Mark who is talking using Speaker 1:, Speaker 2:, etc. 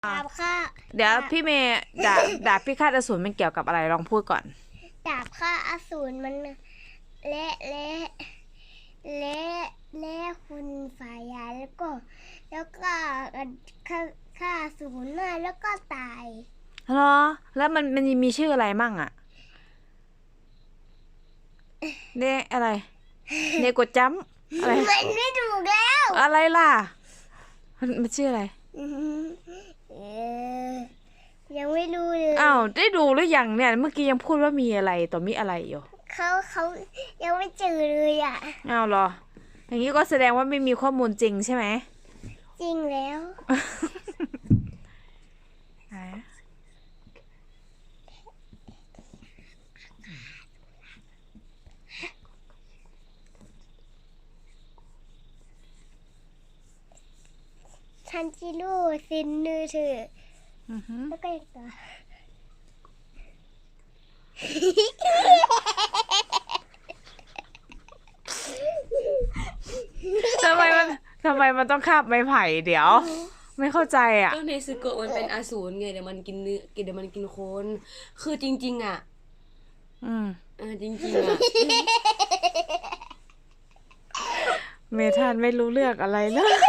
Speaker 1: ดาบฆ่า
Speaker 2: เดี๋ยวพี่เมย์ดาบพิฆาตอสูรมันเกี่ยวกับอะไรลองพูดก่อน
Speaker 1: ดาบฆ่าอสูรมันและคุณฝ่ายยาแล้วก็ฆ่าอสูรมาแล้วก็ตาย
Speaker 2: เหรอแล้วมันมีชื่ออะไรมั่งอะเนี่ยอะไรเนโกจัมอะไร
Speaker 1: มันไม่ถูกแล้ว
Speaker 2: อะไรล่ะมันชื่ออะไร
Speaker 1: เอยังไม่รู้เลย
Speaker 2: อ้าวได้ดูหรือยังเนี่ยเมื่อกี้ยังพูดว่ามีอะไรต่อมีอะไรอยู่
Speaker 1: เขายังไม่เจอเลยอ่ะ
Speaker 2: อ้าวเหรออย่างนี้ก็แสดงว่าไม่มีข้อมูลจริงใช่ไหม
Speaker 1: จริงแล้ว ทันจิโร่ซินนือเธอแล้วก็อีกตัว
Speaker 2: ทำไมมันต้องคาบไม้ไผ่เดี๋ยว ไม่เข้าใจอ่ะ
Speaker 3: ก็ในซึโกะมันเป็นอสูรไงเดี๋ยวมันกินเนื้อเดี๋ยวมันกินคนคือจริงๆอ่ะจริงๆอ่ะ
Speaker 2: เมธานไม่รู้เรื่องอะไรเลย